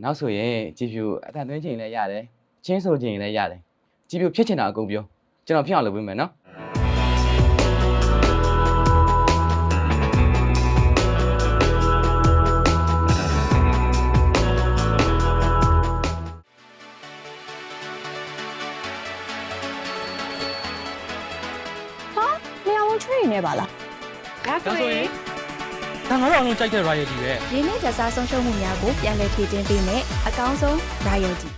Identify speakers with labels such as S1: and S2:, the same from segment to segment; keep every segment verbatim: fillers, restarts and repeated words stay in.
S1: နောက်ဆိုရင်ကြည်ဖြူအတန်သွင်းချိန်လည်းရတယ်ချင်းဆိုချိန်လည်းရတယ်ကြည်ဖြူဖြစ်ချင်တာအကုန်ပြောကျွန်တော်ဖြစ်အောင်လုပ်ပေးမယ်နော်
S2: ချွေနေပါလားဒါဆိုရင်
S3: ဒါငါတို့အလုံးကြိုက်တဲ့ royalty ပဲ
S2: ရင်းနှီးကြစားဆုံးရှုံးမှုများကိုပြန်လည်ဖြည့်တင်းပေးမယ်အကောင်းဆုံး royalty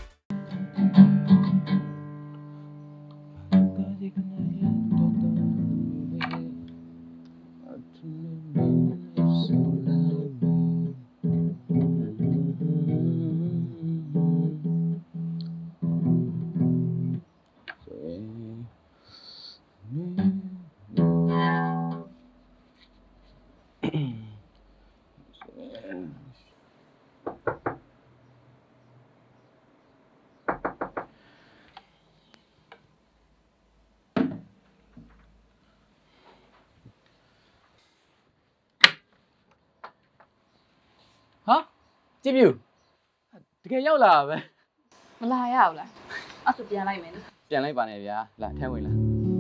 S1: ဟာကြည်ဖြူတကယ်ရောက်လာပဲ
S4: မလာရဘူးလားအဲ့ဆိုပြန်လိုက်မယ်နော်
S1: ပြန်လိုက်ပါနဲ့ဗျာလာထဲဝင်လာ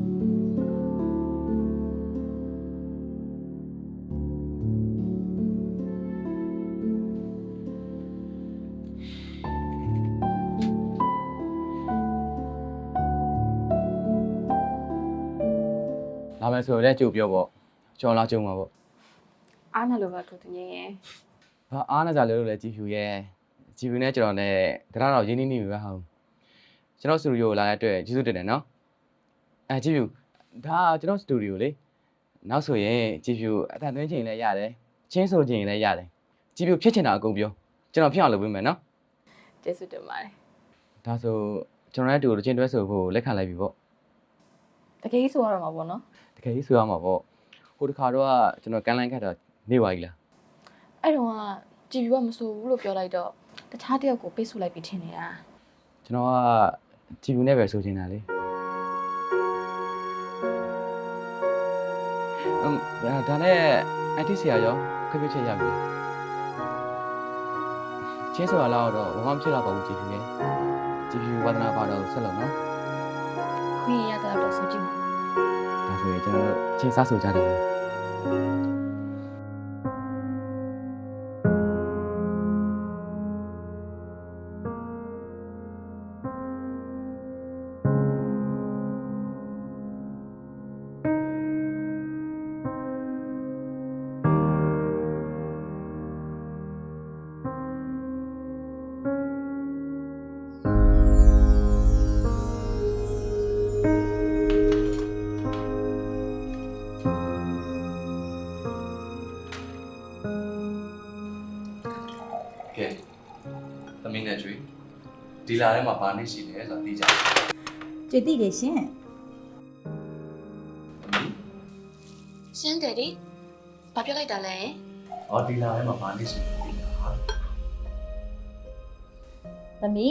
S1: လာမယ်ဆိုတော့ကြိုပြောပေါ့ကျော်လာကြုံမှာပေါ့
S4: အားနဲ့လိုပဲသူတငင်းရဲ့
S1: ဘာအားနဲ့ကြလဲလို့လဲကြည်ဖြူရဲ့ကြည်ဖြူနဲ့ကျွန်တော်နဲ့တရားတော်ရင်းနှီးနေပြီပဲဟုတ်ကျွန်တော်စတူဒီယိုလာတဲ့အတွက်ကျေးဇူးတင်တယ်နော်အဲကြည်ဖြူဒါကျွန်တော်စတူဒီယိုလေနောက်ဆိုရင်ကြည်ဖြူအတန်သွင်းချိန်လည်းရတယ်ချင်းဆိုချိန်လည်းရတယ်ကြည်ဖြူဖြစ်ချင်တာအကုန်ပြောကျွန်တော်ဖြစ်အောင်လုပ်ပေးမယ်နော်
S4: ကျေးဇူးတင်ပါတယ်
S1: ဒါဆိုကျွန်တော်နဲ့တူတူချင်းတွဲဆိုဖို့လက်ခံလိုက်ပြီပေါ့
S4: တကယ်ကြီးဆိုရတော့မှာပေါ့နော်
S1: တကယ်ကြီးဆိုရမှာပေါ့ဟိုတခါတော့ကျွန်တော်ကန်လိုင်းခတ်တာနေပါကြီးလား
S4: အဲ့တော့ကကြည်ပြူကမဆိုဘူးလို့ပြောလိုက်တော့တခြားတယောက်ကိုပိတ်ဆို့လိုက်ပြီးထင်နေတာ
S1: ကျွန်တော်ကကြည်ဖြူနဲ့ပဲဆိုချင်တာလေအမ်ဒါနဲ့အတီးဆရာရောခက်ပြချက်ရပြီချင်းဆိုတာလောက်တော့ဘာမှမဖြစ်တော့ပါဘူးကြည်ဖြူရဲ့ကြည်ဖြူဝါသနာပါတော့ဆက်လို့နော်
S4: ခွင့်ရတဲ့တော့ဆိုကြည့်
S1: ဒါဆိုရင်ကျွန်တော်ချင်းစားဆိုကြတယ်
S5: ကဲသမီးနဲ့ကျွေးဒီလာထဲမှာဘာနေရှိလဲဆိုတာသိကြတယ်
S6: ကြည်သိတယ်ရှင်
S5: သမီး
S4: ရှင်းတယ်ဒီဘာပြောလိုက်တာလဲ
S5: ဟောဒီလာထဲမှာဘာနေရှိလဲသိတာဟာ
S6: သမီး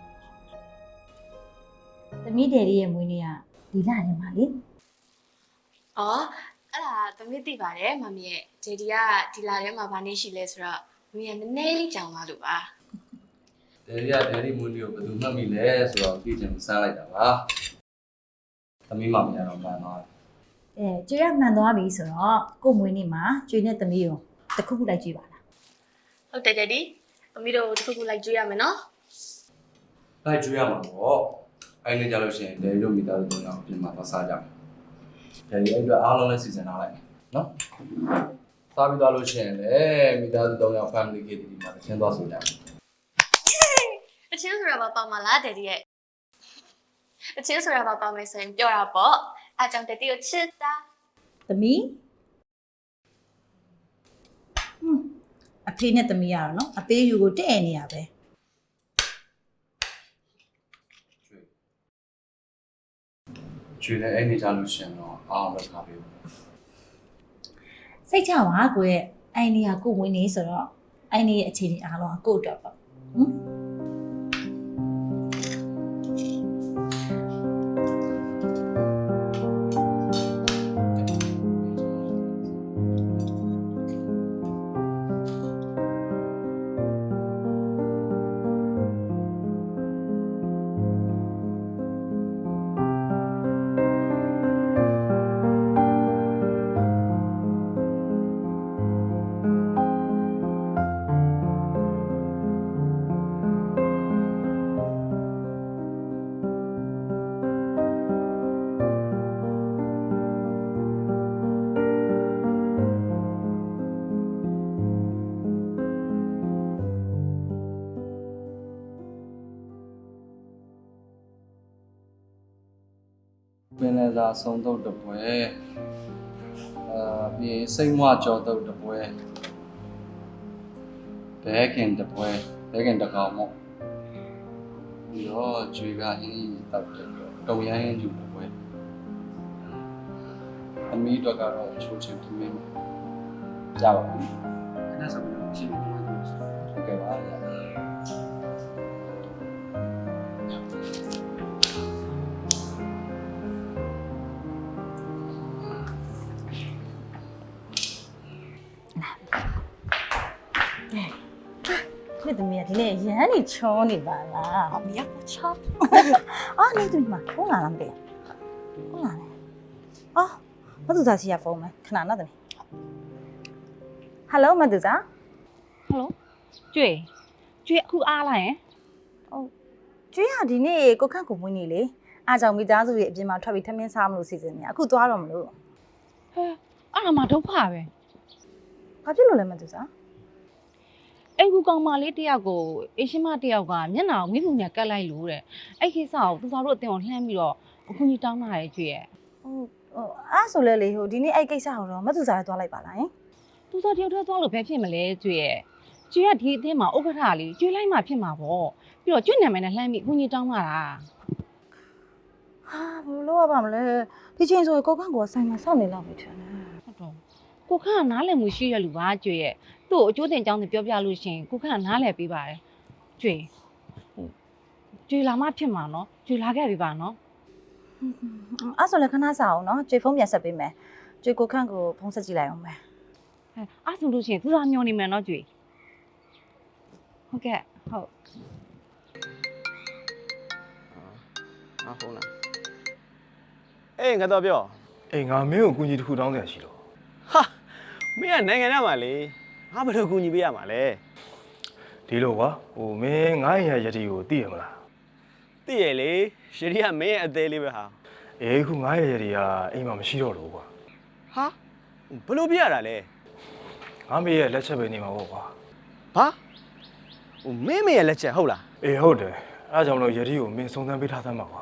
S6: သမီးဒယ်ရီရဲ့မွေးနေ့ကဒီလထဲမှာလေ
S4: အော်အဲ့ဒါသမီးသိပါတယ်မမီရဲ့ဂျေဒီကဒီလာထဲမှာဘာနေရှိလဲဆိုတော့မမီကနည်းနည်းလေးကြောင်သွားလို့ပါ
S5: ဒယ်ရီကဒယ်ရီမွေးနေ့ကိုဘယ်သူမှတ်မိလဲဆိုတော့သိချင်စမ်းလိုက်တာပါသမီးမမရတော့မှန်သွားတယ်
S6: အဲကျွေးရမှန်သွားပြီဆိုတော့ကို့မွေးနေ့မှာကျွေးနဲ့သမီးကိုတစ်ခုခုလိုက်ကြည့်ပါလား
S4: ဟုတ်တယ်ဂျေဒီသမီးတို့တစ်ခုခုလိုက်ကြည့်ရမယ်နော်
S5: လိုက်ကျွေးရမှာပေါ့အဲ့နေကြလို့ရှိရင်ဒယ်ရီတို့မိသားစုတို့အပြင်မှာသွားစားကြမယ်ဒယ်ရီအဲ့အတွက်အားလုံးလည်းစီစဉ်ထားလိုက်မယ်နော်စားပြီးသွားလို့ရှိရင်လည်းမိသားစုသုံးယောက် family ကဒီမှာရှင်းသွားဆိုကြမယ်
S4: အချင်းဆိုတာဘာပါမလားဒယ်ဒီရဲ့အချင်းဆိုတာဘာပါမယ်ဆိုရင်ပြောတာပေါ့အားကြောင့်ဒယ်ဒီကိုချစ်တာ
S6: သမီးဟွန်းအဖေနဲ့သမီးရတော့နော်အသေးယူကိုတဲ့နေရပဲ
S5: ကျွေးလည်းအဲ့နေကြလို့ရှိရင်တော့အားလုံးခါပေးဘူး
S6: စိတ်ချပါကိုရဲ့အိုင်နေကကို့မွေးနေ့ဆိုတော့အိုင်နေရဲ့အခြေအနေအားလုံးကကို့အတွက်ပေါ့ဟမ်
S5: င်လယ်စာဆုံးတော့တပွဲအာပြီးစိတ်မွကြောတော့တပွဲဘဲခင်တပွဲဘဲခင်တကောင်မို့ပြီးတော့ကျွေကဟင်းတောက်တယ်တုံရမ်းဟင်းကျူတပွဲအမီးတော့ကတော့ချိုးချင်သမင်းကြပါဘူးခဏဆက်ပြီးတော့ရှင်းပြပါမယ်ဟုတ်ကဲ့ပါ
S6: 你怎么样？今天眼里瞧你吧啦？
S2: 哦မရဘူးချော
S6: 啊，你怎么嘛？我哪能的？我哪能？哦，我都在写封没，看哪的呢 ？Hello， မတူစား
S7: ဟယ်လိုကျွေကျွေအခုအားလာရင်
S6: ကျွေးရဒီနေ့ကိုခန့်ကိုမွေးနေလေအားကြောင့်မိသားစုရဲ့အပြင်မှာထွက်ပြီးထမင်းစားမလို့စီစဉ်နေအခုသွားတော့မလို့
S7: ဟဲအဲ့ဒါမှဒုက္ခပဲ
S6: ဘာဖြစ်လို့လဲမတူစား
S7: အဲ့ကူကောင်မလေးတယောက်ကိုအေရှင်မတယောက်ကမျက်နှာကိုမိဖုန်ညာကတ်လိုက်လို့တဲ့အဲ့ကိစ္စကိုသူသားတို့အတင်ကိုလှမ်းပြီးတော့အခုကြီးတောင်းလာတယ်ကျွေရဲ့
S6: ဟုတ်ဟိုအားဆိုလဲလေဟိုဒီနေ့အဲ့ကိစ္စကိုတော့မတူစားသွားလိုက်ပါလားယင်
S7: သူသားတယောက်တည်းသွားလို့ပဲဖြစ်မလဲကျွေရဲ့ကျွေကဒီအတင်းမှာဥက္ကဋ္ဌလေးကျွေလိုက်မှဖြစ်မှာပေါ့ပြီးတော့ကျွေနာမည်နဲ့လှမ်းပြီးအခုကြီးတောင်းလာတာ
S6: ဟာဘယ်လိုလုပ်ရပါမလဲဒီချိန်ဆိုကိုခန့်ကိုဆိုင်မှာစောင့်နေလောက်ပြီထင်တယ်
S7: ဟုတ်တော့ကိုခန့်ကနားလည်မှုရှိရလူပါကျွေရဲ့သူ့ကိုအကျိုးတင်ကြောင်းတွေပြောပြလို့ရှိရင်ကိုခန့်ကနားလည်ပေးပါတယ်ကျွေကျွေလာမှဖြစ်မှာနော်ကျွေလာခဲ့ပြီပါနော်
S6: အားဆိုလဲခဏစားအောင်နော်ကျွေဖုန်းပြန်ဆက်ပေးမယ်ကျွေကိုခန့်ကိုဖုန်းဆက်ကြည့်လိုက်အောင်မယ်
S7: အဲအဲ့ဆိုလို့ရှိရင်သူသားမျောနေမယ်နော်ကျွေဟုတ်ကဲ့ဟုတ်
S8: ငါဖုန်းလားအေးငါတော့ပြော
S9: အေးငါမင်းကိုအကူအညီတစ်ခုတောင်းတယ်ရှိလို့
S8: ဟာမင်းကနိုင်ငံထဲမှာလေငါဘယ်လိုကူညီပေးရမှာလဲ
S9: ဒီလိုကွာဟိုမင်းငါ့ရဲ့ရတီကိုသိရမလား
S8: သိရလေရှရီကမင်းရဲ့အသေးလေးပဲဟာ
S9: အေးခုငါ့ရဲ့ရတီကအိမ်မှာမရှိတော့လို့ကွာ
S8: ဟာဘယ်လိုပြရတာလဲ
S9: ငါမေရဲ့လက်ချက်ပဲနေမှာပေါ့ကွာ
S8: ဘာဟိုမင်းမရဲ့လက်ချက်ဟုတ်လား
S9: အေးဟုတ်တယ်အဲဒါကြောင့်မလို့ရတီကိုမင်းစုံစမ်းပေးထားသမ်းပါကွာ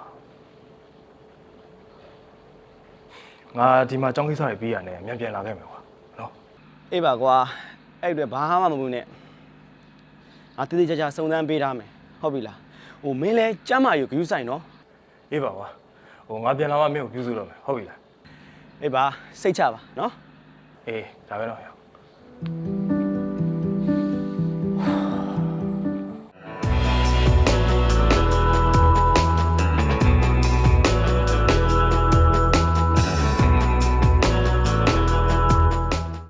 S9: ငါဒီမှာចောင်းကိစ္စတွေပြီးရတယ်မြန်ပြန်လာခဲ့မယ်ကွာနော်
S8: အေးပါကွာအဲ့အတွက်ဘာမှမမှုနဲ့ငါတိတိကျကျစုံစမ်းပေးထားမယ်ဟုတ်ပြီလားဟိုမင်းလဲကျမ်းမာယူဂယူးဆိုင်နော်
S9: အေးပါကွာဟိုငါပြန်လာမှမင်းကိုပြုစုတော့မယ်ဟုတ်ပြီလား
S8: အေးပါစိတ်ချပါနော်
S9: အေးဒါပဲတော့ရအောင်